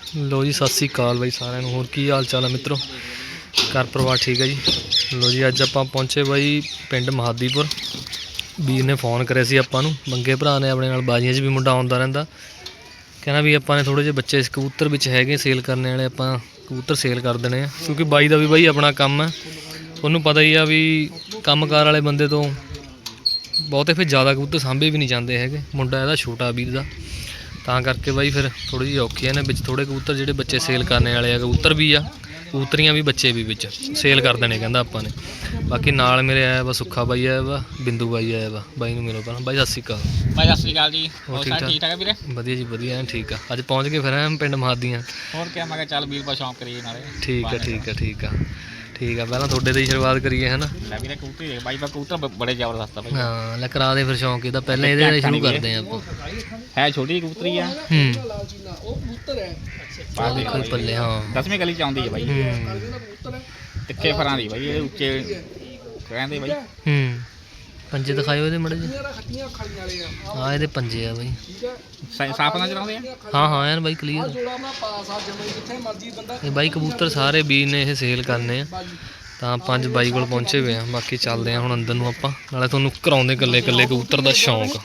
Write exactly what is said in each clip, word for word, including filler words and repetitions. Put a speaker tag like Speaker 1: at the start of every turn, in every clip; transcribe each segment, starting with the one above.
Speaker 1: लो जी सत श्री अकाल बाई सारिਆਂ ਨੂੰ ਹੋਰ ਕੀ ਹਾਲ ਚਾਲ ਹੈ ਮਿੱਤਰੋ घर परिवार ठीक है जी। लो जी अज आप पहुँचे बाई पिंड महादीपुर ਵੀਰ ने फोन करे सी आपां नूं मंगे भरा ने अपने नाल बाजियां च भी मुंडा आउंदा रहिंदा कहना भी आपां ने थोड़े जे बच्चे कबूतर विच हैगे सेल करने वाले आपां कबूतर सेल कर देने आ क्योंकि बाई दा भी बाई अपना काम है उन्होंने पता ही आ भी काम कार वाले बंदे तो बहुते फिर ज़्यादा कबूतर सांभे भी नहीं जाते है मुंडा इहदा छोटा वीर दा तां करके बाई फिर थोड़ी जी औखी ने विच थोड़े कबूतर जिहड़े बच्चे सेल करने वाले आ कबूतर भी आ कबूतरियां भी बच्चे भी विच सेल कर देने कहंदा आपां ने। बाकी नाल मेरे आया वा सुखा बाई आया वा बिंदु बाई आया वा बाई नूं मिलो पहलां बाई सत श्री अकाल।
Speaker 2: भाई सत श्री अकाल जी और ठीक ठाक है वीरे
Speaker 1: वधिया जी वधिया ठीक है अज पहुँच गए फिर पिंड महादियां
Speaker 2: और क्या मैं चल वीर पर शौक करिए नाले
Speaker 1: ठीक है ठीक है ठीक है ठीक है पहला थोड़े दी शुरुआत करिए है ना
Speaker 2: वीरे कबूतर देख भाई कबूतर बड़े जबरदस्त है
Speaker 1: हाँ लै करा दे फिर शौक इहदा पहले इहदे शुरू करते हैं आपां
Speaker 2: है छोटी कबूतरी है
Speaker 1: हूँ देखो पल्ले हाँ
Speaker 2: दसवीं गली च आउंदी है भाई तिखे फरां दी भाई उच्चे कहंदे भाई
Speaker 1: हूँ पंजे दिखाओ ये मड़े हाँ ये पंजे आ बई
Speaker 2: साफ ना चलाते हैं
Speaker 1: हाँ हाँ यार भाई क्लीयर ये भाई कबूतर सारे बीज ने ये सेल करने ਤਾਂ ਪੰਜ ਬਾਈ ਕੋਲ ਪਹੁੰਚੇ ਹੋਏ ਆ ਬਾਕੀ ਚੱਲਦੇ ਆ ਹੁਣ ਅੰਦਰ ਨੂੰ ਆਪਾਂ ਨਾਲੇ ਤੁਹਾਨੂੰ ਕਰਾਉਂਦੇ ਇਕੱਲੇ ਇਕੱਲੇ ਕਬੂਤਰ ਦਾ ਸ਼ੌਂਕ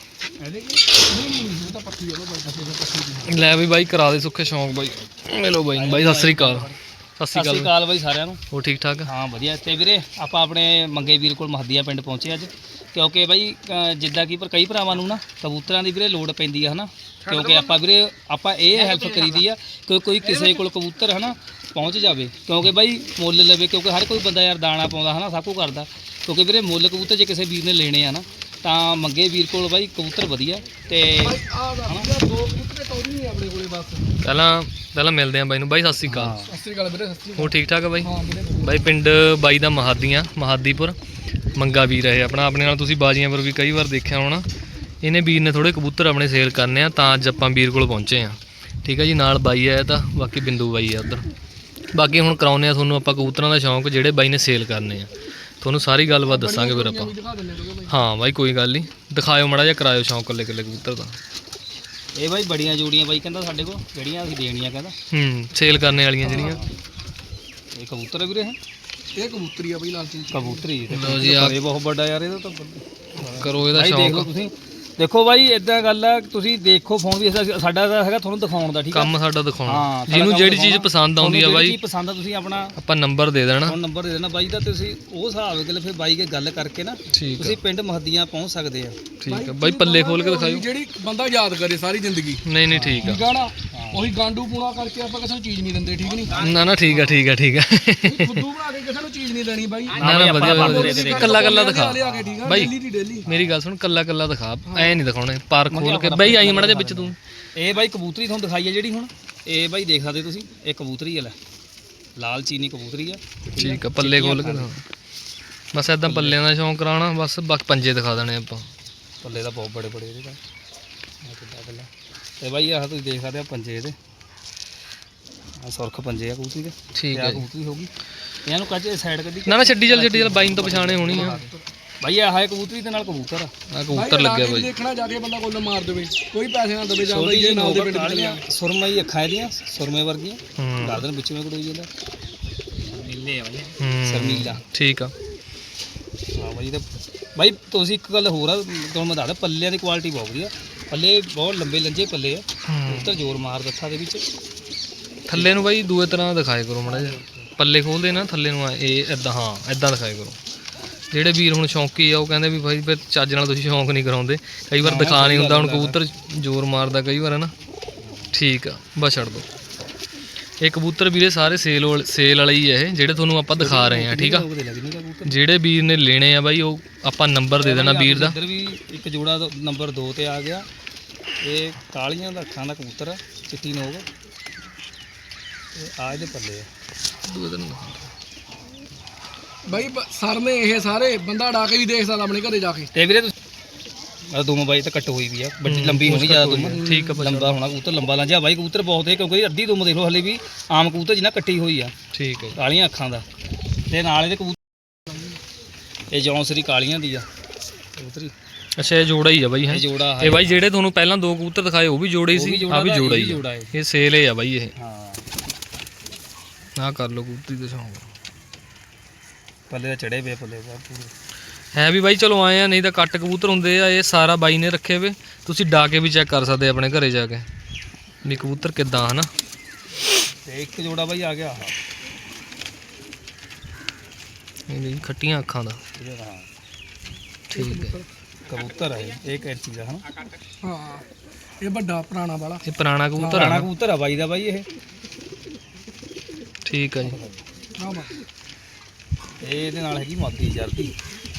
Speaker 1: ਲੈ ਵੀ ਬਾਈ ਕਰਾ ਦੇ ਸੁੱਖੇ ਸ਼ੌਂਕ ਬਾਈ ਮਿਲੋ ਬਾਈ ਬਾਈ ਸਤਿ ਸ੍ਰੀ ਅਕਾਲ
Speaker 2: ਸਤਿ ਸ੍ਰੀ ਅਕਾਲ ਬਾਈ ਸਾਰਿਆਂ ਨੂੰ
Speaker 1: ਹੋਰ ਠੀਕ ਠਾਕ
Speaker 2: ਹਾਂ ਵਧੀਆ ਤੇ ਵੀਰੇ ਆਪਾਂ ਆਪਣੇ ਮੰਗੇ ਵੀਰ ਕੋਲ ਮਹਦੀਆ ਪਿੰਡ ਪਹੁੰਚੇ ਅੱਜ ਕਿਉਂਕਿ ਬਾਈ ਜਿੱਦਾਂ ਕਿ ਪਰ ਕਈ ਭਰਾਵਾਂ ਨੂੰ ਨਾ ਕਬੂਤਰਾਂ ਦੀ ਵੀਰੇ ਲੋੜ ਪੈਂਦੀ ਆ ਹਨਾ ਕਿਉਂਕਿ ਆਪਾਂ ਵੀਰੇ ਆਪਾਂ ਇਹ ਹੈਲਪ ਕਰੀਦੀ ਆ ਕਿ ਕੋਈ ਕਿਸੇ ਕੋਲ ਕਬੂਤਰ ਹਨਾ ਪਹੁੰਚ ਜਾਵੇ ਕਿਉਂਕਿ ਬਾਈ ਮੁੱਲ ਲਵੇ ਕਿਉਂਕਿ ਹਰ ਕੋਈ ਬੰਦਾ ਯਾਰ ਦਾਣਾ ਪਾਉਂਦਾ ਹਨਾ ਸਭ ਕੁਝ ਕਰਦਾ ਕਿਉਂਕਿ ਵੀਰੇ ਮੁੱਲ ਕਬੂਤਰ ਜੇ ਕਿਸੇ ਵੀਰ ਨੇ ਲੈਣੇ ਆ ਨਾ ਤਾਂ ਮੰਗੇ ਵੀਰ ਕੋਲ ਬਾਈ ਕਬੂਤਰ ਵਧੀਆ ਤੇ
Speaker 1: ਪਹਿਲਾਂ ਪਹਿਲਾਂ ਮਿਲਦੇ ਆ ਬਾਈ ਨੂੰ ਬਾਈ ਸਤਿ ਸ੍ਰੀ ਅਕਾਲ
Speaker 2: ਸਤਿ ਸ੍ਰੀ ਅਕਾਲ ਵੀਰੇ
Speaker 1: ਹੋਰ ਠੀਕ ਠਾਕ ਆ ਬਾਈ ਬਾਈ ਪਿੰਡ ਬਾਈ ਦਾ ਮਹਾਦੀਆਂ ਮਹਾਦੀਪੁਰ ਮੰਗਾ ਵੀਰ ਹੈ ਆਪਣਾ ਆਪਣੇ ਨਾਲ ਤੁਸੀਂ ਬਾਜੀਆਂ ਪਰ ਵੀ ਕਈ ਵਾਰ ਦੇਖਿਆ ਹੋਣਾ ਇਹਨੇ ਵੀਰ ਨੇ ਥੋੜੇ ਕਬੂਤਰ ਆਪਣੇ ਸੇਲ ਕਰਨੇ ਆ ਤਾਂ ਅੱਜ ਆਪਾਂ ਵੀਰ ਕੋਲ ਪਹੁੰਚੇ ਆ ਠੀਕ ਹੈ ਜੀ ਨਾਲ ਬਾਈ ਆਇਆ ਤਾਂ ਬਾਕੀ ਬਿੰਦੂ ਬਾਈ ਆ ਉੱਧਰ ਬਾਕੀ ਹੁਣ ਕਰਾਉਂਦੇ ਆ ਤੁਹਾਨੂੰ ਆਪਾਂ ਕਬੂਤਰਾਂ ਦਾ ਸ਼ੌਂਕ ਜਿਹੜੇ ਬਾਈ ਨੇ ਸੇਲ ਕਰਨੇ ਆ ਤੁਹਾਨੂੰ ਸਾਰੀ ਗੱਲਬਾਤ ਦੱਸਾਂਗੇ ਫਿਰ ਆਪਾਂ ਹਾਂ ਬਾਈ ਕੋਈ ਗੱਲ ਨਹੀਂ ਦਿਖਾਇਓ ਮਾੜਾ ਜਿਹਾ ਕਰਾਇਓ ਸ਼ੌਂਕ ਇਕੱਲੇ ਇਕੱਲੇ ਕਬੂਤਰ ਦਾ
Speaker 2: ਇਹ ਬਾਈ ਬੜੀਆਂ ਜੋੜੀਆਂ ਬਾਈ ਕਹਿੰਦਾ ਸਾਡੇ ਕੋਲ ਜਿਹੜੀਆਂ ਅਸੀਂ ਦੇਣੀਆਂ ਕਹਿੰਦਾ
Speaker 1: ਹੂੰ ਸੇਲ ਕਰਨੇ ਵਾਲੀਆਂ ਜਿਹੜੀਆਂ
Speaker 2: ਇਹ ਕਬੂਤਰ ਹੈ ਵੀਰੇ
Speaker 3: ਇਹ ਕਬੂਤਰੀ ਆ ਬਈ ਲਾਲਚੀ
Speaker 2: ਕਬੂਤਰੀ
Speaker 1: ਲਓ ਜੀ ਆ
Speaker 2: ਇਹ ਬਹੁਤ ਵੱਡਾ ਯਾਰ ਇਹਦਾ ਤਾਂ
Speaker 1: ਕਰੋ ਇਹਦਾ
Speaker 2: ਦੇਖ ਲਓ
Speaker 1: ਸ਼ੌਂਕ
Speaker 2: ਤੁਸੀਂ ਦੇਖੋ ਬਾਈ ਇਦਾਂ ਗੱਲ ਆ ਤੁਸੀਂ ਦੇਖੋ ਫੋਨ ਵੀ ਸਾਡਾ ਤਾਂ ਹੈਗਾ ਤੁਹਾਨੂੰ ਦਿਖਾਉਣ ਦਾ ਠੀਕ ਆ
Speaker 1: ਕੰਮ ਸਾਡਾ ਦਿਖਾਉਣਾ
Speaker 2: ਹਾਂ
Speaker 1: ਜਿਹਨੂੰ ਜਿਹੜੀ ਚੀਜ਼ ਪਸੰਦ ਆਉਂਦੀ ਆ ਬਾਈ
Speaker 2: ਚੀਜ਼ ਪਸੰਦ ਆ ਤੁਸੀਂ ਆਪਣਾ
Speaker 1: ਆਪਾਂ ਨੰਬਰ ਦੇ ਦੇਣਾ
Speaker 2: ਫੋਨ ਨੰਬਰ ਦੇ ਦੇਣਾ ਬਾਈ ਦਾ ਤੁਸੀਂ ਉਹ ਹਿਸਾਬ ਨਾਲ ਫਿਰ ਬਾਈ ਕੇ ਗੱਲ ਕਰਕੇ ਨਾ
Speaker 1: ਠੀਕ
Speaker 2: ਤੁਸੀਂ ਪਿੰਡ ਮਹਦੀਆਂ ਪਹੁੰਚ ਸਕਦੇ ਆ
Speaker 1: ਠੀਕ ਆ ਬਾਈ ਪੱਲੇ ਖੋਲ ਕੇ ਦਿਖਾਇਓ
Speaker 3: ਜਿਹੜੀ ਬੰਦਾ ਯਾਦ ਕਰੇ ਸਾਰੀ ਜ਼ਿੰਦਗੀ
Speaker 1: ਨਹੀਂ ਨਹੀਂ ਠੀਕ ਆ
Speaker 3: ਠੀਕ ਆ ਨਾ ਉਹੀ ਗਾਂਡੂ ਪੂਣਾ ਕਰਕੇ ਆਪਾਂ ਕਿਸੇ ਨੂੰ ਚੀਜ਼ ਨਹੀਂ ਦਿੰਦੇ ਠੀਕ ਨਹੀਂ
Speaker 1: ਨਾ ਨਾ ਠੀਕ ਆ ਠੀਕ ਆ ਠੀਕ ਆ
Speaker 3: ਫੁੱਦੂ ਬਣਾ ਕੇ ਕਿਸੇ ਨੂੰ ਚੀਜ਼ ਨਹੀਂ ਦੇਣੀ ਬਾਈ
Speaker 1: ਨਾ ਨਾ ਵਧੀਆ ਕੱਲਾ ਕੱਲਾ ਦਿਖਾ
Speaker 3: ਲਿਆ ਕੇ ਠੀਕ ਆ
Speaker 1: ਬਾਈ
Speaker 3: ਡੇਲੀ ਦੀ ਡੇਲੀ
Speaker 1: ਮੇਰੀ ਗੱਲ ਸੁਣ ਕੱਲਾ ਕੱਲਾ ਦਿਖਾ ਐ ਨਹੀਂ ਦਿਖਾਉਣੇ ਪਰ ਖੋਲ ਕੇ ਬਾਈ ਆਈ ਮੜਾ ਦੇ ਵਿੱਚ ਤੂੰ
Speaker 2: ਇਹ ਬਾਈ ਕਬੂਤਰੀ ਤੁਹਾਨੂੰ ਦਿਖਾਈ ਆ ਜਿਹੜੀ ਹੁਣ ਇਹ ਬਾਈ ਦੇਖ ਸਕਦੇ ਤੁਸੀਂ ਇਹ ਕਬੂਤਰੀ ਆ ਲੈ ਲਾਲ ਚੀਨੀ ਕਬੂਤਰੀ ਆ
Speaker 1: ਠੀਕ ਆ ਪੱਲੇ ਖੋਲ ਕੇ ਦਿਖਾ ਬਸ ਇਦਾਂ ਪੱਲਿਆਂ ਦਾ ਸ਼ੌਂਕ ਕਰਾਉਣਾ ਬਸ ਬਾਕੀ ਪੰਜੇ ਦਿਖਾ ਦੇਣੇ ਆਪਾਂ
Speaker 2: ਪੱਲੇ ਦਾ ਬਹੁਤ ਬੜੇ ਬੜੇ ਇਹਦੇ ਤਾਂ ਪਹਿਲਾਂ ਤੇ ਬਾਈ ਆਹ ਤੁਸੀਂ ਦੇਖ ਸਕਦੇ ਆ ਪੰਜੇ ਇਹਦੇ ਆ ਸੁਰਖ ਪੰਜੇ ਆ ਕਬੂਤਰੀ ਦੇ
Speaker 1: ਠੀਕ
Speaker 2: ਆ
Speaker 1: ਹੈ
Speaker 2: ਕਬੂਤਰੀ ਹੋ ਗਈ ਇਹਨਾਂ ਨੂੰ ਕੱਜ ਸਾਈਡ ਕੱਢੀ
Speaker 1: ਨਾ ਨਾ ਛੱਡੀ ਚੱਲ ਛੱਡੀ ਚੱਲ ਬਾਈ ਨੂੰ ਤਾਂ ਪਛਾਣੇ ਹੋਣੀ ਆ
Speaker 2: ਬਾਈ ਆਹ ਹੈ ਕਬੂਤਰੀ ਦੇ ਨਾਲ ਕਬੂਤਰ ਆ
Speaker 1: ਆ ਕਬੂਤਰ ਲੱਗਿਆ ਬਾਈ
Speaker 3: ਦੇਖਣਾ ਜਾ ਕੇ ਬੰਦਾ ਕੋਲ ਮਾਰ ਦੇਵੇ ਕੋਈ ਪੈਸੇ ਨਾ ਦੇਵੇ ਜਾਂਦਾ ਇਹ ਨਾਲ ਦੇ ਪਿੰਡ
Speaker 2: ਕਾਲੀਆਂ ਸੁਰਮਈ ਅੱਖਾਂ ਇਹਦੀਆਂ ਸੁਰਮੇ ਵਰਗੀਆਂ
Speaker 1: ਹੂੰ
Speaker 2: ਗਰਦਨ ਵਿੱਚ ਮੈਂ ਕੋਈ ਜਾਂਦਾ ਨੀਲੇ ਆ ਬਾਈ
Speaker 1: ਹੂੰ
Speaker 2: ਸ਼ਰਮੀਲਾ
Speaker 1: ਠੀਕ ਆ
Speaker 2: ਹਾਂ ਬਾਈ ਤੇ ਬਾਈ ਤੁਸੀਂ ਇੱਕ ਗੱਲ ਹੋਰ ਆ ਤੁਹਾਨੂੰ ਮੈਂ ਦੱਸਦਾ ਪੱਲਿਆਂ ਦੀ ਕੁਆਲਿਟੀ ਬਹੁਤ ਵਧੀਆ ਪੱਲੇ ਬਹੁਤ ਲੰਬੇ ਲੰਜੇ ਪੱਲੇ ਆ ਕਬੂਤਰ ਜ਼ੋਰ ਮਾਰ ਦਿੱਤਾ ਦੇ ਵਿੱਚ
Speaker 1: ਥੱਲੇ ਨੂੰ ਬਾਈ ਦੂਏ ਤਰ੍ਹਾਂ ਦਿਖਾਏ ਕਰੋ ਮਾੜਾ ਜਿਹਾ ਪੱਲੇ ਖੋਲਦੇ ਨਾ ਥੱਲੇ ਨੂੰ ਇਹ ਇਦਾਂ ਹਾਂ ਇਦਾਂ ਦਿਖਾਏ ਕਰੋ ਜਿਹੜੇ ਵੀਰ ਹੁਣ ਸ਼ੌਂਕੀ ਆ ਉਹ ਕਹਿੰਦੇ ਵੀ ਭਾਈ ਫਿਰ ਚੱਜ ਨਾਲ ਤੁਸੀਂ ਸ਼ੌਂਕ ਨਹੀਂ ਕਰਾਉਂਦੇ ਕਈ ਵਾਰ ਦਿਖਾ ਨਹੀਂ ਹੁੰਦਾ ਹੁਣ ਕਬੂਤਰ ਜ਼ੋਰ ਮਾਰਦਾ ਕਈ ਵਾਰ ਹੈ ਨਾ ਠੀਕ ਆ ਬਸ ਛੱਡ ਦੋ ਇਹ ਕਬੂਤਰ ਵੀਰੇ ਸਾਰੇ ਸੇਲ ਸੇਲ ਵਾਲੇ ਹੀ ਆ ਇਹ ਜਿਹੜੇ ਤੁਹਾਨੂੰ ਆਪਾਂ ਦਿਖਾ ਰਹੇ ਆ ਠੀਕ ਆ ਜਿਹੜੇ ਵੀਰ ਨੇ ਲੈਣੇ ਆ ਬਾਈ ਉਹ ਆਪਾਂ ਨੰਬਰ ਦੇ ਦੇਣਾ ਵੀਰ ਦਾ
Speaker 2: ਇੱਧਰ ਵੀ ਇੱਕ ਜੋੜਾ ਨੰਬਰ ਦੋ ਤੇ ਆ ਗਿਆ ਇਹ ਕਾਲੀਆਂ ਦਾ ਅੱਖਾਂ ਦਾ ਕਬੂਤਰ ਆ ਚਿੱਟੀ ਨੋਕ ਇਹ ਆ ਇਹਦੇ ਪੱਲੇ ਆ
Speaker 1: ਦੂਏ ਦਿਨ
Speaker 3: ਬਾਈ ਸਰ ਨੇ ਇਹ ਸਾਰੇ ਬੰਦਾ ਡਾ ਕੇ ਵੀ ਦੇਖ ਸਕਦਾ ਆਪਣੇ ਘਰੇ ਜਾ ਕੇ
Speaker 2: ਤੇ ਵੀਰੇ ਤੁਸੀਂ ਦੁਮ ਬਾਈ ਤਾਂ ਕੱਟ ਹੋਈ ਵੀ ਆ ਵੱਡੀ ਲੰਬੀ ਹੋਣੀ ਜ਼ਿਆਦਾ ਦੁਮ
Speaker 1: ਠੀਕ ਆ
Speaker 2: ਲੰਬਾ ਹੋਣਾ ਕਬੂਤਰ ਲੰਬਾ ਲੰਜਾ ਬਾਈ ਕਬੂਤਰ ਬਹੁਤ ਹੈ ਕਿਉਂਕਿ ਅੱਧੀ ਦੁਮ ਦੇਖ ਲਓ ਹਲੇ ਵੀ ਆਮ ਕਬੂਤਰ ਜਿੰਨਾ ਕੱਟੀ ਹੋਈ ਆ
Speaker 1: ਠੀਕ ਹੈ
Speaker 2: ਕਾਲੀਆਂ ਅੱਖਾਂ ਦਾ ਤੇ ਨਾਲ ਇਹਦੇ ਕਬੂਤਰ ਇਹ ਜੌਂਸਰੀ ਕਾਲੀਆਂ ਦੀ ਆ ਕਬੂਤਰੀ
Speaker 1: ਅੱਛਾ ਇਹ ਜੋੜਾ ਹੀ ਆ ਬਾਈ ਹੈ
Speaker 2: ਇਹ ਜੋੜਾ
Speaker 1: ਇਹ ਬਾਈ ਜਿਹੜੇ ਤੁਹਾਨੂੰ ਪਹਿਲਾਂ ਦੋ ਕਬੂਤਰ ਦਿਖਾਏ ਉਹ ਵੀ ਜੋੜੇ ਸੀ ਆ ਵੀ ਜੋੜਾ ਹੀ
Speaker 2: ਜੋੜਾ ਹੈ
Speaker 1: ਇਹ ਸੇਲ ਹੈ ਆ ਬਾਈ ਇਹ
Speaker 2: ਹਾਂ
Speaker 1: ਆਹ ਕਰ ਲਓ ਕਬੂਤਰੀ ਦਾ ਸ਼ੌਂਕ।
Speaker 2: ਪੱਲੇ ਦਾ ਚੜੇ ਪਏ ਪੱਲੇ ਦਾ ਪੂਰੇ
Speaker 1: ਹੈ ਵੀ ਬਾਈ ਚਲੋ ਆਏ ਆ, ਨਹੀਂ ਤਾਂ ਕੱਟ ਕਬੂਤਰ ਹੁੰਦੇ ਆ। ਇਹ ਸਾਰਾ ਬਾਈ ਨੇ ਰੱਖੇ ਵੇ, ਤੁਸੀਂ ਡਾ ਕੇ ਵੀ ਚੈੱਕ ਕਰ ਸਕਦੇ ਆਪਣੇ ਘਰੇ ਜਾ ਕੇ ਵੀ ਕਬੂਤਰ ਕਿੱਦਾਂ ਹਨਾ।
Speaker 2: ਤੇ ਇੱਕ ਜੋੜਾ ਬਾਈ ਆ ਗਿਆ ਆਹ
Speaker 1: ਇਹ ਜੀ ਖੱਟੀਆਂ ਅੱਖਾਂ ਦਾ।
Speaker 2: ਇਹਦਾ ਹਾਂ
Speaker 1: ਠੀਕ ਹੈ,
Speaker 2: ਕਬੂਤਰ ਹੈ ਇਹ ਕੈਂਚੀ ਦਾ ਹਨਾ।
Speaker 3: ਹਾਂ ਇਹ ਵੱਡਾ ਪੁਰਾਣਾ ਵਾਲਾ
Speaker 1: ਇਹ ਪੁਰਾਣਾ ਕਬੂਤਰ
Speaker 2: ਪੁਰਾਣਾ
Speaker 1: ਆ।
Speaker 2: ਕਬੂਤਰ ਆ ਬਾਈ ਦਾ ਬਾਈ ਇਹ।
Speaker 1: ਠੀਕ ਹੈ ਜੀ।
Speaker 3: ਆਹ ਵਾ।
Speaker 2: ਇਹ ਇਹਦੇ ਨਾਲ ਹੈਗੀ ਮਾਦੀ ਜਰਦੀ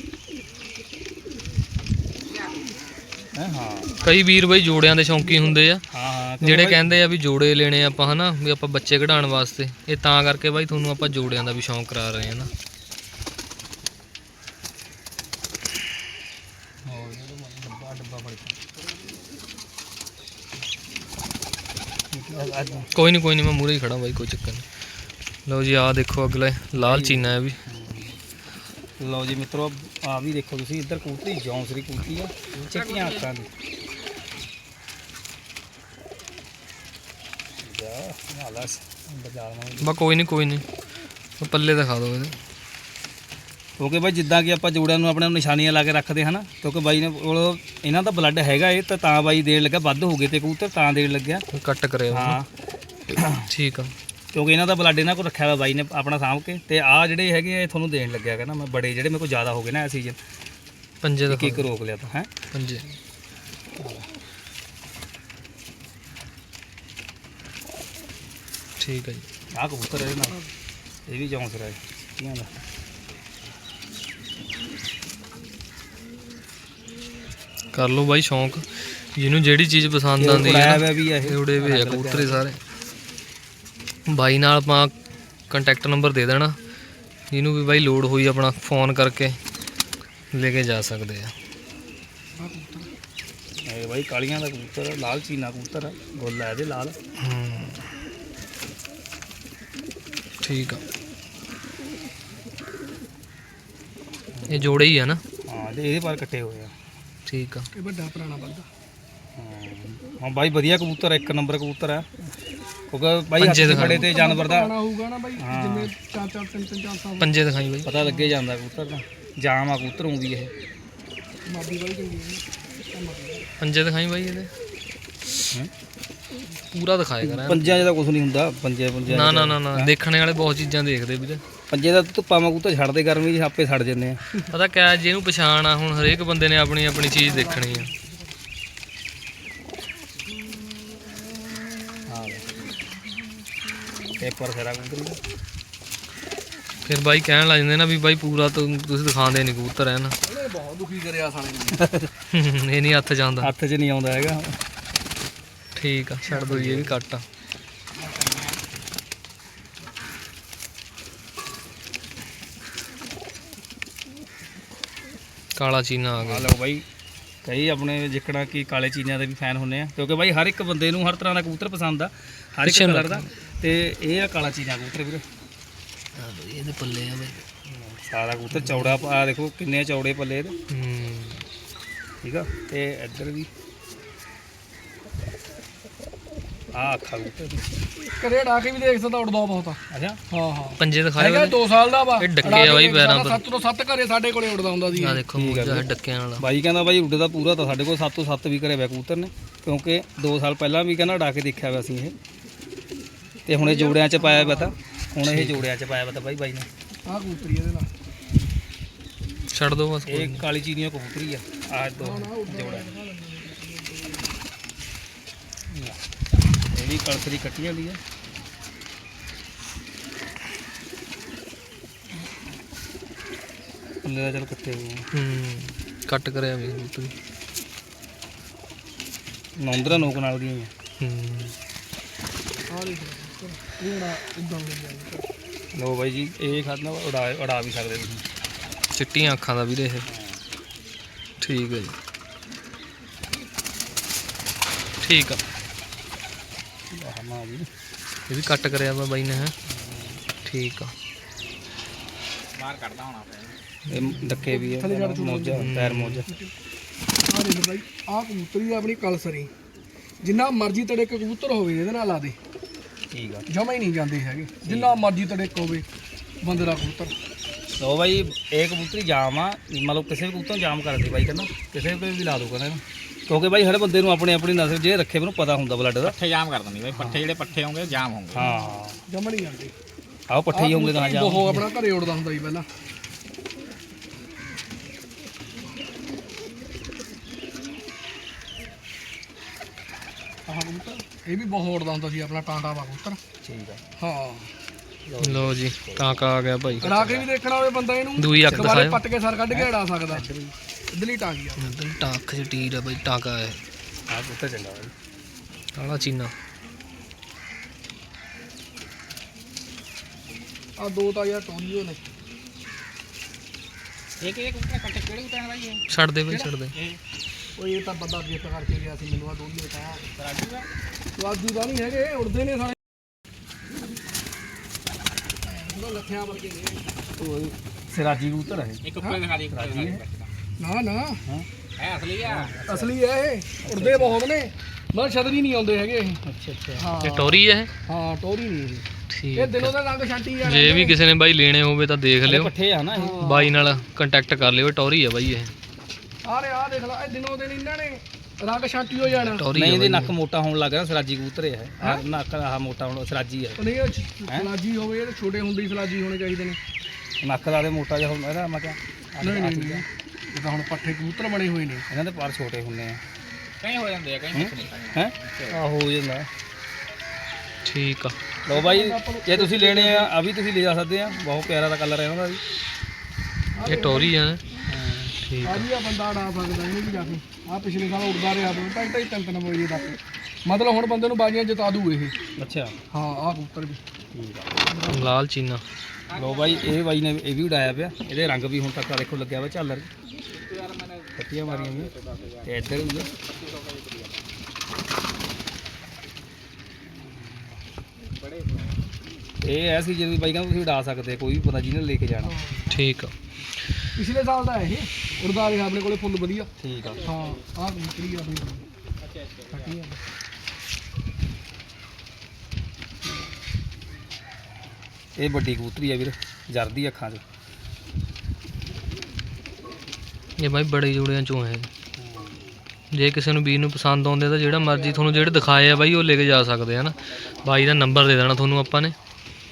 Speaker 2: ਹੈ। ਹਾਂ
Speaker 1: ਕਈ ਵੀਰ ਬਾਈ ਜੋੜਿਆਂ ਦੇ ਸ਼ੌਂਕੀ ਹੁੰਦੇ ਆ,
Speaker 2: ਹਾਂ ਹਾਂ
Speaker 1: ਜਿਹੜੇ ਕਹਿੰਦੇ ਆ ਵੀ ਜੋੜੇ ਲੈਣੇ ਆਪਾਂ ਹਨਾ, ਵੀ ਆਪਾਂ ਬੱਚੇ ਕਢਾਉਣ ਵਾਸਤੇ। ਇਹ ਤਾਂ ਕਰਕੇ ਬਾਈ ਤੁਹਾਨੂੰ ਆਪਾਂ ਜੋੜਿਆਂ ਦਾ ਵੀ ਸ਼ੌਂਕ ਕਰਾ ਰਹੇ ਹਾਂ ਨਾ। ਕੋਈ ਨਹੀਂ ਕੋਈ ਨਹੀਂ, ਮੈਂ ਮੂਹਰੇ ਹੀ ਖੜਾ ਬਾਈ, ਕੋਈ ਚੱਕਰ ਨਹੀਂ। ਲਓ ਜੀ ਆਹ ਦੇਖੋ ਅਗਲਾ ਲਾਲ ਚੀਨਾ ਹੈ ਵੀ।
Speaker 2: ਲਓ ਜੀ ਮਿੱਤਰੋ ਆ ਵੀ ਦੇਖੋ ਤੁਸੀਂ ਇੱਧਰ ਕਬੂਤਰੀ ਜੌਂਸਰੀ ਕਬੂਤਰੀ ਆ ਚਿੱਟੀਆਂ ਅੱਖਾਂ ਦੀ। ਜਾ ਨਾਲਾ ਬਾਜ਼ਾਰ ਨਾਲ
Speaker 1: ਬਾ ਕੋਈ ਨਹੀਂ ਕੋਈ ਨਹੀਂ, ਉਹ ਪੱਲੇ ਦਿਖਾ ਦਿਓ ਇਹਦੇ।
Speaker 2: ਕਿਉਂਕਿ ਬਾਈ ਜਿੱਦਾਂ ਕਿ ਆਪਾਂ ਜੋੜਿਆਂ ਨੂੰ ਆਪਣੇ ਨੂੰ ਨਿਸ਼ਾਨੀਆਂ ਲਾ ਕੇ ਰੱਖਦੇ ਹਨਾ, ਕਿਉਂਕਿ ਬਾਈ ਨੇ ਕੋਲ ਇਹਨਾਂ ਦਾ ਬਲੱਡ ਹੈਗਾ ਇਹ ਤਾਂ ਤਾਂ ਬਾਈ ਦੇਣ ਲੱਗਾ, ਵੱਧ ਹੋ ਗਏ ਤੇ ਕਬੂਤਰ ਤਾਂ ਦੇਣ ਲੱਗਿਆ।
Speaker 1: ਕੱਟ ਕਰਿਆ
Speaker 2: ਹਾਂ
Speaker 1: ਠੀਕ ਆ।
Speaker 2: ਕਿਉਂਕਿ ਇਹਨਾਂ ਦਾ ਬਲੱਡ ਇਹਨਾਂ ਕੋਲ ਰੱਖਿਆ ਹੋਇਆ ਬਾਈ ਨੇ ਆਪਣਾ ਸਾਂਭ ਕੇ। ਤੇ ਆਹ ਜਿਹੜੇ ਹੈਗੇ ਆ ਇਹ ਤੁਹਾਨੂੰ ਦੇਣ ਲੱਗਿਆ ਹੈਗਾ ਨਾ ਮੈਂ, ਬੜੇ ਜਿਹੜੇ ਮੇਰੇ ਕੋਲ ਜ਼ਿਆਦਾ ਹੋ ਗਏ ਨਾ ਇਹ ਸੀਜ਼ਨ,
Speaker 1: ਪੰਜੇ
Speaker 2: ਇੱਕ
Speaker 1: ਦਿਖਾ
Speaker 2: ਇੱਕ ਰੋਕ ਲਿਆ ਤਾਂ ਹੈ
Speaker 1: ਪੰਜੇ। ਠੀਕ ਹੈ ਜੀ।
Speaker 2: ਆਹ ਕਬੂਤਰ ਇਹਦੇ ਨਾਲ ਇਹ ਵੀ ਜੌਂਸਰਾ ਹੈ ਚਿੱਟੀਆਂ ਦਾ।
Speaker 1: ਕਰ ਲਓ ਬਾਈ ਸ਼ੌਂਕ, ਜਿਹਨੂੰ ਜਿਹੜੀ ਚੀਜ਼ ਪਸੰਦ ਆਉਂਦੀ ਹੈ
Speaker 2: ਉੜਾਇਆ
Speaker 1: ਨਾ।
Speaker 2: ਹੋਇਆ ਵੀ ਆ ਇਹ
Speaker 1: ਉੜੇ ਵੀ ਆ ਕਬੂਤਰੇ ਸਾਰੇ। ਬਾਈ ਨਾਲ ਆਪਾਂ ਕੰਟੈਕਟ ਨੰਬਰ ਦੇ ਦੇਣਾ, ਜਿਹਨੂੰ ਵੀ ਬਾਈ ਲੋੜ ਹੋਈ ਆਪਣਾ ਫੋਨ ਕਰਕੇ ਲੈ ਕੇ ਜਾ ਸਕਦੇ ਆ।
Speaker 2: ਇਹ ਬਾਈ ਕਾਲੀਆਂ ਦਾ ਕਬੂਤਰ ਲਾਲ ਚੀਨਾ ਕਬੂਤਰ ਆ, ਗੋਲਾ ਇਹਦੇ ਲਾਲ।
Speaker 1: ਹੂੰ ਠੀਕ ਆ। ਇਹ ਜੋੜੇ ਹੀ ਆ ਨਾ।
Speaker 2: ਹਾਂ ਤੇ ਇਹਦੇ ਪਰ ਕੱਟੇ ਹੋਏ ਆ।
Speaker 1: ਠੀਕ ਆ।
Speaker 3: ਇਹ ਵੱਡਾ ਪੁਰਾਣਾ ਵਾਲਾ।
Speaker 2: ਹਾਂ ਬਾਈ ਵਧੀਆ ਕਬੂਤਰ ਆ, ਇੱਕ ਨੰਬਰ ਕਬੂਤਰ ਆ। ਕਿਉਂਕਿ ਬਾਈ
Speaker 1: ਪੰਜੇ
Speaker 2: ਹੱਥ
Speaker 1: ਦਿਖਾ
Speaker 2: ਖੜੇ ਤੇ ਜਾਨਵਰ ਦਾ
Speaker 3: ਪੁਰਾਣਾ ਹੋਊਗਾ ਨਾ ਬਾਈ,
Speaker 2: ਹਾਂ।
Speaker 3: ਜਿਵੇਂ ਚਾਰ ਚਾਰ ਤਿੰਨ ਤਿੰਨ ਚਾਰ ਸਾਲ
Speaker 1: ਪੰਜੇ ਦਿਖਾਈ ਬਾਈ।
Speaker 2: ਪਤਾ ਲੱਗੇ ਜਾਂਦਾ ਕਬੂਤਰ ਦਾ ਜਾਮ ਆ ਕਬੂਤਰ ਨੂੰ ਵੀ ਇਹ।
Speaker 3: ਮਾਦੀ ਵਾਲੀ ਚੰਗੀ ਹੈ।
Speaker 1: ਪੰਜੇ ਦਿਖਾਈ ਬਾਈ ਇਹਦੇ।
Speaker 2: ਹੈਂ?
Speaker 1: ਪੂਰਾ ਦਿਖਾਇਆ ਕਰਾਂ।
Speaker 2: ਪੰਜਾਂ 'ਚ ਤਾਂ ਕੁਝ ਨਹੀਂ ਹੁੰਦਾ, ਪੰਜੇ ਪੰਜੇ
Speaker 1: ਨਾ ਨਾ ਨਾ ਨਾ, ਦੇਖਣੇ ਵਾਲੇ ਬਹੁਤ ਚੀਜ਼ਾਂ ਦੇਖਦੇ ਵੀਰੇ।
Speaker 2: ਪੰਜੇ ਦਾ ਧੁੱਪਾ ਮਾ ਕਬੂਤਰ ਛੱਡਦੇ ਗਰਮੀ 'ਚ ਆਪੇ ਸੜ ਜਾਂਦੇ ਆ।
Speaker 1: ਪਤਾ ਕਿਆ, ਜਿਹਨੂੰ ਪਛਾਣ ਆ ਹੁਣ ਹਰੇਕ ਬੰਦੇ ਨੇ ਆਪਣੀ ਆਪਣੀ ਚੀਜ਼ ਦੇਖਣੀ ਆ।
Speaker 2: ਹਾਂ ਪੇਪਰ ਖਰਾ ਕਬੂਤਰ
Speaker 1: ਫਿਰ ਬਾਈ ਕਹਿਣ ਲੱਗ ਜਾਂਦੇ ਨਾ ਵੀ ਬਾਈ ਪੂਰਾ ਤੁ- ਤੁਸੀਂ ਦਿਖਾਉਂਦੇ ਨਹੀਂ ਕਬੂਤਰ ਹੈ ਨਾ।
Speaker 3: ਇਹਨੇ ਬਹੁਤ ਦੁਖੀ ਕਰਿਆ ਸਾਲੇ ਨੇ।
Speaker 1: ਇਹ ਨਹੀਂ ਹੱਥ ਜਾਂਦਾ।
Speaker 2: ਹੱਥ 'ਚ ਨਹੀਂ ਆਉਂਦਾ ਹੈਗਾ।
Speaker 1: ਠੀਕ ਆ, ਛੱਡ ਦੋ ਜੀ, ਇਹ ਵੀ ਕੱਟ ਆ। ਕਾਲਾ ਚੀਨਾ ਆ
Speaker 2: ਆ
Speaker 1: ਗਿਆ।
Speaker 2: ਲਓ ਬਾਈ ਕਈ ਆਪਣੇ ਜਿੱਕਣਾ ਕਿ ਕਾਲੇ ਚੀਨਿਆਂ ਦੇ ਵੀ ਫੈਨ ਹੁੰਦੇ ਆ, ਕਿਉਂਕਿ ਬਾਈ ਹਰ ਇੱਕ ਬੰਦੇ ਨੂੰ ਹਰ ਤਰ੍ਹਾਂ ਦਾ ਕਬੂਤਰ ਪਸੰਦ ਆ, ਹਰ ਇੱਕ
Speaker 1: ਪਿੱਛੇ ਨੂੰ
Speaker 2: ਕਲਰ ਦਾ। ਤੇ ਇਹ ਆ ਕਾਲਾ ਚੀਨਾ ਕਬੂਤਰ ਵੀਰੇ।
Speaker 1: ਇਹਦੇ ਪੱਲੇ ਆ ਬਾਈ।
Speaker 2: ਸਾਰਾ ਕਬੂਤਰ ਚੌੜਾ ਆ ਦੇਖੋ ਕਿੰਨੇ ਚੌੜੇ ਪੱਲੇ ਇਹਦੇ।
Speaker 1: ਹੂੰ
Speaker 2: ਠੀਕ ਆ। ਤੇ ਇੱਧਰ ਵੀ ਆ ਅੱਖਾਂ ਕਬੂਤਰ ਦੀ।
Speaker 3: ਕਰੇ ਡਾ ਕੇ ਵੀ ਦੇਖ ਸਕਦਾ, ਉੜਦਾ ਬਹੁਤ ਆ।
Speaker 2: ਅੱਛਾ
Speaker 3: ਹਾਂ ਹਾਂ
Speaker 1: ਪੰਜੇ ਦਿਖਾਏ
Speaker 3: ਹੈਗਾ
Speaker 1: ਹੋਏ
Speaker 3: ਦੋ ਸਾਲ ਦਾ ਵਾ।
Speaker 1: ਇਹ ਡੱਕੇ ਆ ਬਾਈ ਪੈਰਾਂ ਪਰ।
Speaker 3: ਸੱਤ ਤੋਂ ਸੱਤ ਘਰੇ ਸਾਡੇ ਕੋਲੇ ਉੜਦਾ ਹੁੰਦਾ ਸੀ।
Speaker 1: ਆ ਦੇਖੋ
Speaker 2: ਠੀਕ ਆ
Speaker 1: ਮੂਜਾ
Speaker 2: ਵੀਰੇ।
Speaker 1: ਡੱਕਿਆਂ ਵਾਲਾ।
Speaker 2: ਬਾਈ ਕਹਿੰਦਾ ਬਾਈ ਉੱਡਦਾ ਪੂਰਾ ਤਾਂ ਸਾਡੇ ਕੋਲ ਸੱਤ ਤੋਂ ਸੱਤ ਵੀ ਘਰੇ ਹੋਇਆ ਕਬੂਤਰ ਨੇ, ਕਿਉਂਕਿ ਦੋ ਸਾਲ ਪਹਿਲਾਂ ਵੀ ਕਹਿੰਦਾ ਉਡਾ ਕੇ ਦੇਖਿਆ ਹੋਇਆ ਸੀ ਇਹ। ਤੇ ਹੁਣ ਇਹ ਜੋੜਿਆਂ 'ਚ ਪਾਇਆ ਵਾ ਤਾਂ ਹੁਣ ਇਹ ਜੋੜਿਆਂ 'ਚ ਪਾਇਆ ਵਾ ਤਾਂ ਬਾਈ ਬਾਈ ਨੇ।
Speaker 3: ਆਹ ਕਬੂਤਰੀ ਇਹਦੇ ਨਾਲ।
Speaker 1: ਛੱਡ ਦੋ ਬਸ।
Speaker 2: ਇਹ ਕਾਲੀ ਚੀਨੀਆਂ ਕਬੂਤਰੀ ਆ ਆ ਦੋ ਜੋੜਾ। ਇਹ ਵੀ ਕਲਸਰੀ ਕੱਟੀ ਵਾਲੀ ਆ। ਪੱਲੇ ਦਾ ਚੱਲ ਕੱਟੇ ਹੋਏ ਆ।
Speaker 1: ਹੂੰ ਕੱਟ ਕਰਿਆ ਵੀ ਕਬੂਤਰ।
Speaker 2: ਨੌਂਦਰਾ ਨੋਕ ਨਾਲ ਦੀਆਂ ਹੀ ਆ।
Speaker 1: ਹੂੰ
Speaker 3: ਆਹ ਦੇਖ ਲਓ ਇਹ ਨਾ ਇਦਾਂ ਹੋ ਗਿਆ।
Speaker 2: ਲਓ ਬਾਈ ਜੀ ਇਹ ਖਾਦਨਾ ਉਡਾ ਉਡਾ ਵੀ ਸਕਦੇ ਤੁਸੀਂ।
Speaker 1: ਚਿੱਟੀਆਂ ਅੱਖਾਂ ਦਾ ਵੀਰੇ ਇਹ। ਠੀਕ ਹੈ ਜੀ, ਠੀਕ ਆ।
Speaker 2: ਆਹ ਮਾਂ ਜੀ
Speaker 1: ਇਹ ਵੀ ਕੱਟ ਕਰਿਆ ਵਾ ਬਾਈ ਨੇ ਹੈ। ਠੀਕ ਆ।
Speaker 2: ਬਾਹਰ ਕੱਢਦਾ ਹੋਣਾ ਇਹ ਡੱਕੇ ਵੀ ਆ ਮੋਜਾ ਪੈਰ ਮੋਜਾ।
Speaker 3: ਆਹ ਦੇਖ ਬਾਈ ਆਹ ਕਬੂਤਰੀ ਆ ਆਪਣੀ ਕਲਸਰੀ। ਜਿੰਨਾ ਮਰਜ਼ੀ ਤੇਰੇ ਇੱਕ ਕਬੂਤਰ ਹੋਵੇ ਇਹਦੇ ਨਾਲ ਲਾ ਦੇ,
Speaker 2: ਠੀਕ ਆ
Speaker 3: ਜਮਾ ਹੀ ਨਹੀਂ ਜਾਂਦੇ ਹੈਗੇ, ਜਿੰਨਾ ਮਰਜ਼ੀ ਤੜਕ ਹੋਵੇ ਬੰਦੇ ਦਾ ਕਬੂਤਰ।
Speaker 2: ਲੋ ਬਾਈ ਇਹ ਕਬੂਤਰੀ ਜਾਮ ਆ, ਮਤਲਬ ਕਿਸੇ ਵੀ ਕਬੂਤਰ ਨੂੰ ਜਾਮ ਕਰਦੇ ਬਾਈ ਕਹਿੰਦਾ, ਕਿਸੇ ਤੇ ਵੀ ਲਾ ਦੋ ਕਹਿੰਦਾ ਇਹਨੂੰ, ਕਿਉਂਕਿ ਬਾਈ ਹਰ ਬੰਦੇ ਨੂੰ ਆਪਣੀ ਆਪਣੀ ਨਸਲ ਜੇ ਰੱਖੇ ਮੈਨੂੰ ਪਤਾ ਹੁੰਦਾ ਬਲੱਡ ਦਾ।
Speaker 4: ਪੱਠੇ ਜਾਮ ਕਰ ਦਿੰਦੀ ਬਾਈ, ਪੱਠੇ ਜਿਹੜੇ ਪੱਠੇ ਹੋਣਗੇ ਜਾਮ ਹੋਣਗੇ।
Speaker 2: ਹਾਂ
Speaker 3: ਜਮਾ ਨਹੀਂ ਜਾਂਦੇ।
Speaker 2: ਆਹ ਪੱਠੇ ਹੀ ਹੋਣਗੇ ਤਾਂ ਜਾਮ।
Speaker 3: ਉਹ ਆਪਣਾ ਘਰੇ ਉੜਦਾ ਹੁੰਦਾ ਸੀ ਪਹਿਲਾਂ। ਆਹ ਕਬੂਤਰ ਇਹ ਵੀ ਬਹੁਤ ਉੜਦਾ ਹੁੰਦਾ ਸੀ ਆਪਣਾ, ਟਾਂਟਾ ਵਾ ਕਬੂਤਰ।
Speaker 2: ਠੀਕ ਆ
Speaker 3: ਹਾਂ
Speaker 1: ਲਓ ਜੀ ਟਾਂਕਾ ਆ ਗਿਆ ਭਾਈ।
Speaker 3: ਰਾ ਕੇ ਵੀ ਦੇਖਣਾ ਹੋਵੇ ਬੰਦਾ ਇਹਨੂੰ,
Speaker 1: ਦੂਈ ਅੱਖ
Speaker 3: ਦੁਬਾਰੇ
Speaker 1: ਦਿਖਾਇਓ।
Speaker 3: ਪੱਟ ਕੇ ਸਰ ਕੱਢ ਕੇ ਉਡਾ ਸਕਦਾ। ਇਧਰਲੀ ਟਾਂਗੀ ਆ।
Speaker 1: ਟਾਂਕ ਚ ਟੀਰ ਆ ਭਾਈ, ਟਾਂਕਾ ਹੈ
Speaker 2: ਆਹ ਕਬੂਤਰ ਚੰਗਾ ਬਾਈ।
Speaker 1: ਕਾਲਾ ਚੀਨਾ।
Speaker 3: ਆ ਦੋ ਤਾਂ ਯਾਰ ਟੋਲੀਓ ਨੇ।
Speaker 4: ਇਹ ਕਿਹੜੇ ਕਬੂਤਰ ਪੱਠੇ ਕਿਹੜੇ ਕਬੂਤਰ ਬਾਈ ਇਹ?
Speaker 1: ਛੱਡ ਦੇ ਭਾਈ ਛੱਡ ਦੇ।
Speaker 3: ਉਹ ਇਹ ਤਾਂ ਬੰਦਾ ਗਿਫਟ ਕਰਕੇ ਗਿਆ ਸੀ ਮੈਨੂੰ, ਆ ਦੋਲੀਓ ਤਾਂ
Speaker 4: ਰਾਜੂ ਦਾ
Speaker 3: ਸਵਾਦੂ ਦਾ ਨਹੀਂ ਹੈਗੇ, ਉੜਦੇ ਨੇ ਸਾਰੇ। ਉਹ ਲੱਖਿਆਂ ਵਰਗੇ ਨੇ।
Speaker 2: ਉਹ ਸਿਰਾਜੀ ਕਬੂਤਰ ਹੈ
Speaker 4: ਇੱਕ ਉੱਪਰ ਦਿਖਾ ਦੇ, ਇੱਕ ਉੱਪਰ ਦਿਖਾ ਦੇ।
Speaker 3: ਨਾ ਨਾ
Speaker 4: ਹੈ ਅਸਲੀ ਆ।
Speaker 3: ਅਸਲੀ ਹੈ ਇਹ, ਉੜਦੇ ਬਹੁਤ ਨੇ, ਮਰ ਛਤਰੀ ਨਹੀਂ ਆਉਂਦੇ ਹੈਗੇ ਇਹ।
Speaker 2: ਅੱਛਾ ਅੱਛਾ
Speaker 3: ਹਾਂ
Speaker 1: ਇਹ ਟੋਰੀ ਹੈ
Speaker 3: ਹਾਂ ਟੋਰੀ ਨਹੀਂ ਇਹ।
Speaker 1: ਠੀਕ
Speaker 3: ਇਹ ਦਿਨੋਂ ਦਾ ਰੰਗ ਛਾਂਟੀ ਆ।
Speaker 1: ਜੇ ਵੀ ਕਿਸੇ ਨੇ ਬਾਈ ਲੈਣੇ ਹੋਵੇ ਤਾਂ ਦੇਖ ਲਿਓ,
Speaker 2: ਪੱਠੇ ਆ ਨਾ ਇਹ।
Speaker 1: ਬਾਈ ਨਾਲ ਕੰਟੈਕਟ ਕਰ ਲਿਓ। ਟੋਰੀ ਹੈ ਬਾਈ ਇਹ,
Speaker 3: ਆ ਰੇ ਆ ਦੇਖ ਲੈ, ਇਹ ਦਿਨੋਂ ਦਿਨ ਇਹਨਾਂ ਨੇ ਰੰਗ ਛਾਂਟੀ ਹੋ ਜਾਣਾ।
Speaker 1: ਟੋਰੀ
Speaker 2: ਨਹੀਂ
Speaker 1: ਹੈ
Speaker 2: ਇਹਦੇ
Speaker 1: ਬਾਈ।
Speaker 2: ਨੱਕ ਮੋਟਾ ਹੋਣ ਲੱਗ ਗਿਆ, ਸਿਰਾਜੀ ਕਬੂਤਰ ਹੈ ਆਹ ਨੱਕ ਆਹ ਮੋਟਾ ਹੋਣ ਸਿਰਾਜੀ ਹੈ।
Speaker 3: ਉਹ ਨਹੀਂ ਸਲਾਜੀ ਹੋਵੇ, ਇਹ ਤਾਂ ਛੋਟੇ ਹੁੰਦੇ ਹੀ ਸਲਾਜੀ ਹੋਣੇ ਚਾਹੀਦੇ ਨੇ।
Speaker 2: ਨੱਕ ਦਾ ਤੇ ਮੋਟਾ ਜਿਹਾ ਹੁੰਦਾ ਇਹਦਾ, ਮੈਂ ਕਿਹਾ
Speaker 3: ਨਹੀਂ ਨਹੀਂ ਨਹੀਂ, ਇਹ ਤਾਂ ਹੁਣ ਪੱਠੇ ਕਬੂਤਰ ਬਣੇ ਹੋਏ ਨੇ।
Speaker 2: ਇਹਨਾਂ ਦੇ ਪਰ ਛੋਟੇ ਹੁੰਦੇ ਆ
Speaker 4: ਕਈ ਹੋ ਜਾਂਦੇ ਆ, ਕਈ ਨਹੀਂ।
Speaker 2: ਹੈ ਆ ਹੋ ਜਾਂਦਾ।
Speaker 1: ਠੀਕ ਆ।
Speaker 2: ਲੋ ਬਾਈ ਜੇ ਤੁਸੀਂ ਲੈਣੇ ਆ ਆ ਵੀ ਤੁਸੀਂ ਲੈ ਜਾ ਸਕਦੇ ਆ, ਬਹੁਤ ਪਿਆਰਾ ਦਾ ਕਲਰ ਹੈ ਉਹਨਾਂ ਦਾ ਵੀ।
Speaker 1: ਇਹ ਟੋਰੀ ਹੈ। ਠੀਕ
Speaker 3: ਆ
Speaker 1: ਆ।
Speaker 3: ਵੀ ਆ ਬੰਦਾ ਉਡਾ ਸਕਦਾ ਇਹਨੂੰ ਵੀ ਜਾ ਕੇ। ਆ ਪਿਛਲੇ ਸਾਲ ਉੜਦਾ ਰਿਹਾ ਦੋ ਢਾਈ ਢਾਈ ਤਿੰਨ ਤਿੰਨ ਵਜੇ ਤੱਕ, ਮਤਲਬ ਹੁਣ ਬੰਦੇ ਨੂੰ ਬਾਜ਼ੀਆਂ ਜਿਤਾ ਦੂ ਇਹ।
Speaker 2: ਅੱਛਾ
Speaker 3: ਹਾਂ ਆ ਕਬੂਤਰ ਵੀ
Speaker 2: ਠੀਕ ਆ।
Speaker 1: ਲਾਲ ਚੀਨਾ।
Speaker 2: ਲੋ ਬਾਈ ਇਹ ਬਾਈ ਨੇ ਇਹ ਵੀ ਉਡਾਇਆ ਪਿਆ, ਇਹਦੇ ਰੰਗ ਵੀ ਹੁਣ ਤੱਕ ਆ ਦੇਖੋ ਲੱਗਿਆ ਵਾ ਝਾਲਰ, ਕੱਟੀਆਂ ਮਾਰੀਆਂ ਵੀ ਤੇ ਇੱਧਰ ਵੀ ਆ। ਇਹ ਐ ਸੀ ਜਿਹੜੀ ਬਾਈ ਕਹਿੰਦਾ ਤੁਸੀਂ ਉਡਾ ਸਕਦੇ, ਕੋਈ ਵੀ ਪਤਾ ਜਿਹਨੇ ਲੈ ਕੇ ਜਾਣਾ।
Speaker 1: ਠੀਕ ਆ।
Speaker 3: ਪਿਛਲੇ ਸਾਲ ਦਾ ਇਹ ਉੜਦਾ ਰਿਹਾ ਆਪਣੇ ਕੋਲੇ ਫੁੱਲ ਵਧੀਆ।
Speaker 2: ਠੀਕ ਆ।
Speaker 3: ਹਾਂ ਆ ਕਬੂਤਰੀ ਆ ਆਪਣੀ। ਕੱਟੀ ਆ।
Speaker 2: ਇਹ ਵੱਡੀ ਕਬੂਤਰੀ ਆ ਵੀਰ, ਜਰਦੀ ਅੱਖਾਂ 'ਚ।
Speaker 1: ਇਹ ਬਾਈ ਬੜੇ ਜੋੜਿਆਂ ਚੋਂ ਹੈ। ਜੇ ਕਿਸੇ ਨੂੰ ਵੀਰ ਨੂੰ ਪਸੰਦ ਆਉਂਦੇ ਤਾਂ ਜਿਹੜਾ ਮਰਜ਼ੀ ਤੁਹਾਨੂੰ ਜਿਹੜੇ ਦਿਖਾਏ ਆ ਬਾਈ ਉਹ ਲੈ ਕੇ ਜਾ ਸਕਦੇ ਆ ਨਾ। ਬਾਈ ਦਾ ਨੰਬਰ ਦੇ ਦੇਣਾ ਤੁਹਾਨੂੰ ਆਪਾਂ ਨੇ।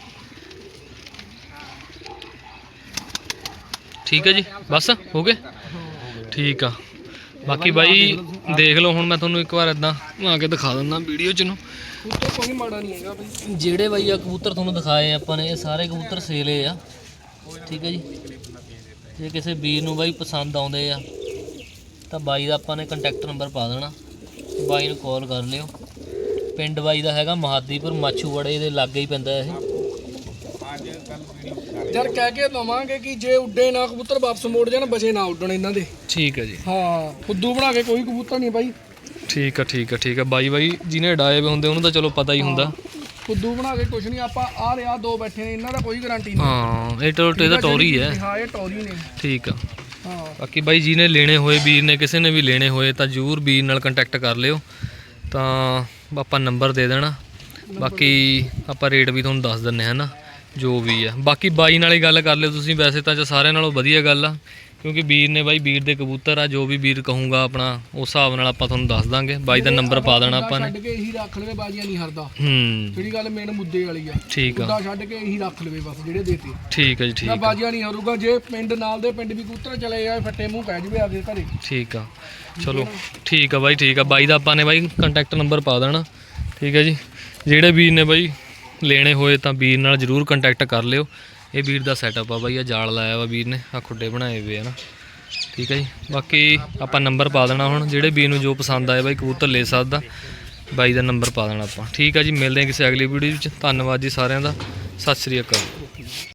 Speaker 1: ਠੀਕ ਹੈ ਜੀ, ਬਸ ਹੋ ਗਏ। ਠੀਕ ਆ। ਬਾਕੀ ਬਾਈ ਦੇਖ ਲਓ, ਹੁਣ ਮੈਂ ਤੁਹਾਨੂੰ ਇੱਕ ਵਾਰ ਇਦਾਂ ਆ ਕੇ ਦਿਖਾ ਦਿੰਦਾ ਵੀਡੀਓ 'ਚ ਨੂੰ।
Speaker 3: ਕਬੂਤਰ ਕੋਈ ਮਾੜਾ ਨਹੀਂ ਹੈਗਾ ਬਈ।
Speaker 1: ਜਿਹੜੇ ਬਾਈ ਆ ਕਬੂਤਰ ਤੁਹਾਨੂੰ ਦਿਖਾਏ ਆਪਾਂ ਨੇ, ਇਹ ਸਾਰੇ ਕਬੂਤਰ ਸੇਲੇ ਆ। ਠੀਕ ਹੈ ਜੀ। ਜੇ ਕਿਸੇ ਵੀਰ ਨੂੰ ਬਾਈ ਪਸੰਦ ਆਉਂਦੇ ਆ ਤਾਂ ਬਾਈ ਦਾ ਆਪਾਂ ਨੇ ਕੰਟੈਕਟ ਨੰਬਰ ਪਾ ਦੇਣਾ, ਬਾਈ ਨੂੰ ਕਾਲ ਕਰ ਲਿਓ। ਪਿੰਡ ਬਾਈ ਦਾ ਹੈਗਾ ਮਹਾਦੀਪੁਰ, ਮਾਛੂਵਾੜੇ ਦੇ ਲਾਗੇ ਹੀ ਪੈਂਦਾ ਇਹ।
Speaker 3: ਯਾਰ ਕਹਿ ਕੇ ਦਵਾਂਗੇ ਕਿ ਜੇ ਉੱਡੇ ਨਾ ਕਬੂਤਰ ਵਾਪਸ ਮੋੜ ਜਾਣ, ਬਚੇ ਨਾ ਉੱਡਣ ਇਹਨਾਂ ਦੇ।
Speaker 1: ਠੀਕ ਹੈ ਜੀ।
Speaker 3: ਹਾਂ ਫੁੱਦੂ ਬਣਾ ਕੇ ਕੋਈ ਕਬੂਤਰ ਨਹੀਂ ਬਾਈ।
Speaker 1: ਠੀਕ ਆ ਠੀਕ ਆ ਠੀਕ ਆ। ਬਾਈ ਬਾਈ ਜਿਹਨੇ ਡਾਏ ਵੇ ਹੁੰਦੇ ਉਹਨੂੰ ਤਾਂ ਚਲੋ ਪਤਾ ਹੀ ਹੁੰਦਾ।
Speaker 3: ਫੁੱਦੂ ਬਣਾ ਕੇ ਕੁਛ ਨਹੀਂ। ਆਪਾਂ ਆ ਰਿਹਾ ਦੋ ਬੈਠੇ ਨੇ, ਇਹਨਾਂ ਦਾ ਕੋਈ ਗਾਰੰਟੀ ਨਹੀਂ।
Speaker 1: ਹਾਂ ਇਹ ਟੋਟੇ ਦਾ ਟੋਰੀ ਹੈ।
Speaker 3: ਹਾਂ ਇਹ ਟੋਰੀ ਨੇ।
Speaker 1: ਠੀਕ ਆ।
Speaker 3: ਹਾਂ
Speaker 1: ਬਾਕੀ ਬਾਈ ਜਿਹਨੇ ਲੈਣੇ ਹੋਏ, ਵੀਰ ਨੇ ਕਿਸੇ ਨੇ ਵੀ ਲੈਣੇ ਹੋਏ ਤਾਂ ਜ਼ਰੂਰ ਵੀਰ ਨਾਲ ਕੰਟੈਕਟ ਕਰ ਲਿਓ, ਤਾਂ ਆਪਾਂ ਨੰਬਰ ਦੇ ਦੇਣਾ। ਬਾਕੀ ਆਪਾਂ ਰੇਟ ਵੀ ਤੁਹਾਨੂੰ ਦੱਸ ਦਿੰਨੇ ਹਾਂ ਨਾ, ਜੋ ਵੀ ਆ। ਬਾਕੀ ਬਾਈ ਨਾਲ ਹੀ ਗੱਲ ਕਰ ਲਿਓ ਤੁਸੀਂ, ਵੈਸੇ ਤਾਂ ਸਾਰਿਆਂ ਨਾਲੋਂ ਵਧੀਆ ਗੱਲ ਆ, ਕਿਉਂਕਿ ਵੀਰ ਨੇ ਬਾਈ ਵੀਰ ਦੇ ਕਬੂਤਰ ਆ। ਜੋ ਵੀ ਵੀਰ ਕਹੂੰਗਾ ਆਪਣਾ ਉਸ ਹਿਸਾਬ ਨਾਲ ਆਪਾਂ ਤੁਹਾਨੂੰ ਦੱਸ ਦਾਂਗੇ। ਬਾਈ ਦਾ ਨੰਬਰ ਪਾ ਦੇਣਾ ਆਪਾਂ ਨੇ।
Speaker 3: ਛੱਡ ਕੇ ਇਹੀ ਰੱਖ ਲਵੇ, ਬਾਜ਼ੀਆਂ ਨਹੀਂ ਹਰਦਾ।
Speaker 1: ਹੂੰ
Speaker 3: ਜਿਹੜੀ ਗੱਲ ਮੇਨ ਮੁੱਦੇ ਵਾਲੀ ਆ।
Speaker 1: ਠੀਕ ਆ।
Speaker 3: ਮੁੱਦਾ ਛੱਡ ਕੇ ਇਹੀ ਰੱਖ ਲਵੇ ਬਸ, ਜਿਹੜੇ ਦੇਤੇ
Speaker 1: ਠੀਕ ਹੈ ਜੀ। ਠੀਕ
Speaker 3: ਨਾ
Speaker 1: ਆ
Speaker 3: ਬਾਜ਼ੀਆਂ ਨਹੀਂ ਹਰੂਗਾ। ਜੇ ਪਿੰਡ ਨਾਲ ਦੇ ਪਿੰਡ ਵੀ ਕਬੂਤਰ ਚਲੇ ਜਾਏ, ਫੱਟੇ ਮੂੰਹ ਪੈ ਜਵੇ ਆਪਦੇ ਘਰੇ।
Speaker 1: ਠੀਕ ਆ। ਚਲੋ ਠੀਕ ਆ ਬਾਈ, ਠੀਕ ਆ। ਬਾਈ ਦਾ ਆਪਾਂ ਨੇ ਬਾਈ ਕੰਟੈਕਟ ਨੰਬਰ ਪਾ ਦੇਣਾ। ਠੀਕ ਹੈ ਜੀ। ਜਿਹੜੇ ਵੀਰ ਨੇ ਬਾਈ ਲੈਣੇ ਹੋਏ ਤਾਂ ਵੀਰ ਨਾਲ ਜ਼ਰੂਰ ਕੰਟੈਕਟ ਕਰ ਲਿਓ। ਇਹ ਵੀਰ ਦਾ ਸੈਟਅਪ ਆ ਬਾਈ, ਆ ਜਾਲ ਲਾਇਆ ਵਾ ਵੀਰ ਨੇ, ਆ ਖੁੱਡੇ ਬਣਾਏ ਹੋਏ ਆ ਨਾ। ਠੀਕ ਹੈ ਜੀ। ਬਾਕੀ ਆਪਾਂ ਨੰਬਰ ਪਾ ਦੇਣਾ, ਹੁਣ ਜਿਹੜੇ ਵੀਰ ਨੂੰ ਜੋ ਪਸੰਦ ਆਏ ਬਾਈ ਕਬੂਤਰ ਲੈ ਸਕਦਾ, ਬਾਈ ਦਾ ਨੰਬਰ ਪਾ ਦੇਣਾ ਆਪਾਂ। ਠੀਕ ਆ ਜੀ। ਮਿਲਦੇ ਹਾਂ ਕਿਸੇ ਅਗਲੀ ਵੀਡੀਓ ਵਿੱਚ। ਧੰਨਵਾਦ ਜੀ ਸਾਰਿਆਂ ਦਾ। ਸਤਿ ਸ਼੍ਰੀ ਅਕਾਲ।